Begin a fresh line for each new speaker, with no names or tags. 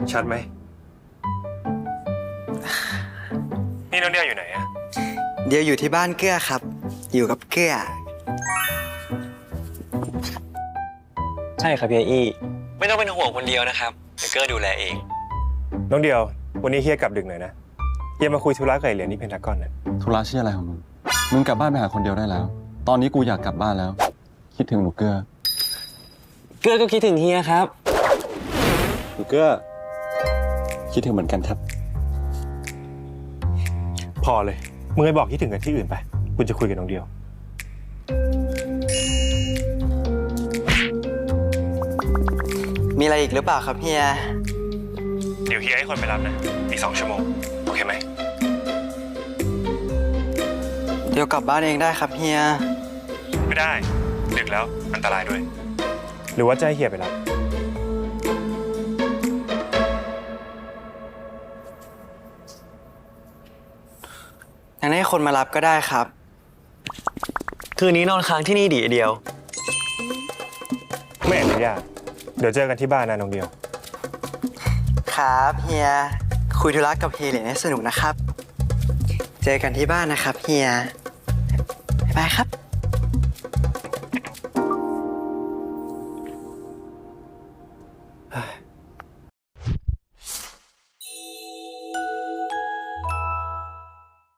ชัดไหมนี่น้องเดียวอยู่ไหนอะ
เดียวอยู่ที่บ้านเกื้อครับ อยู่กับเกื้อ
ใช่ครับพี่อี้ไม่ต้องเป็นห่วงคนเดียวนะครับเดี๋ยวเกอร์ดูแลเอง
น้องเดียววันนี้เฮียกลับดึกหน่อยนะเฮียมาคุยธุระกับเหรียญที่เพนทากอนนะ
ธุระชื่ออะไรของมึงกลับบ้านไปหาคนเดียวได้แล้วตอนนี้กูอยากกลับบ้านแล้วคิดถึงหนูเกื้อ
ก็คิดถึงเฮียครับ
หนูเกื้อคิดถึงเหมือนกันครับ
พอเลยมึงไปบอกคิดถึงกันที่อื่นไปกูจะคุยกับน้องเดียว
มีอะไรอีกหรือเปล่าครับเฮีย
เดี๋ยวเฮียให้คนไปรับนะอีก2 ชั่วโมงโอเคไหม
เดี๋ยวกลับบ้านเองได้ครับเฮีย
ไม่ได้ดึกแล้วอันตรายด้วยหรือว่าจะให้เฮียไปรับ
งั้นให้คนมารับก็ได้ครับ
คืนนี้นอนค้างที่นี่ดีเดียว
ไม่อนุญาตเดี๋ยวเจอกันที่บ้านนะน้องเดียว
ครับเฮียคุยธุระกับเฮียเหรียญให้สนุกนะครับเจอกันที่บ้านนะครับเฮียบ๊ายบายครับ